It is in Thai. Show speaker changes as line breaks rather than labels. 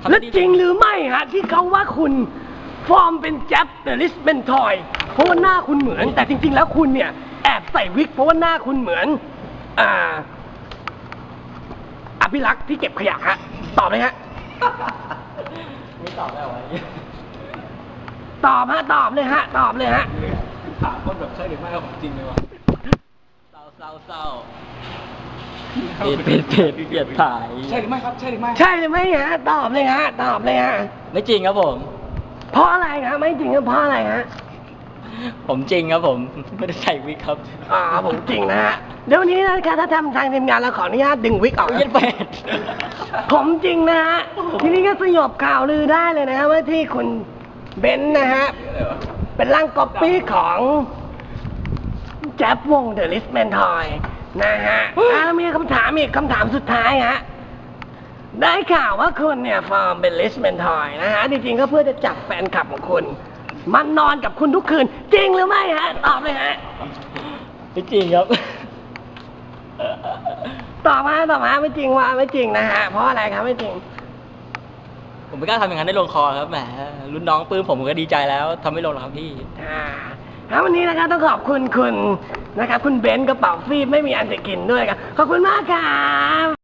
และจริงหรือไม่ฮะที่เขาว่าคุณฟอร์มเป็นแจ๊บแต่ลิสเป็นทอยเพราะว่าหน้าคุณเหมือนแต่จริงๆแล้วคุณเนี่ยแอบใส่วิกเพราะว่าหน้าคุณเหมือนอภิรักษ์ที่เก็บขยะฮะตอบเลยฮะ
ไม่ตอบได้ไหม
ตอบฮะตอบเลยฮะตอบเลยฮะ
ถามคนแบบใช่หรือไม่เอาของจริงเลยวะเศร้าเป็ดเกลียดถ่ายใช่หรือไม่ครับใช่หรือไม่
ใช่หรือไม่ฮะตอบเลยฮะตอบเลยฮะ
ไม่จริงครับผม
เพราะอะไรครับไม่จริงก็เพราะอะไรฮะ
ผมจริงครับผมไม่ได้ใส่วิกครับ
ผมจริงนะฮะเดี๋ยววันนี้นะครับถ้าทำทางทีมงานเราขออนุญาตดึงวิกออก
เย็นเป็ด
ผมจริงนะฮะทีนี้ก็สยบข่าวลือได้เลยนะฮะว่าที่คุณเบนซ์นะฮะเป็นร่างก๊อปปี้ของแจ๊บวงเดอะลิสแมนทอยนะฮะมีคำถามอีกคำถามสุดท้ายฮะได้ข่าวว่าคุณเนี่ยฟอร์มเป็นลิสแมนทอยนะฮะจริงๆก็เพื่อจะจับแฟนคลับของคุณมันนอนกับคุณทุกคืนจริงหรือไม่ฮะตอบเลยฮะ
ไม่จริงครับ
ตอบมาไม่จริงว่าไม่จริงนะฮะเพราะอะไรครับไม่จริง
ผมไม่กล้าทำอย่างนั้นได้ลงคอครับแหมรุ่นน้องปื้มผมก็ดีใจแล้วทำไม่ลงหรอกครับพี่
วันนี้นะครับต้องขอบคุณคุณนะครับคุณเบนซ์กระเป๋าฟีบไม่มีอันจะกินด้วยครับขอบคุณมากครับ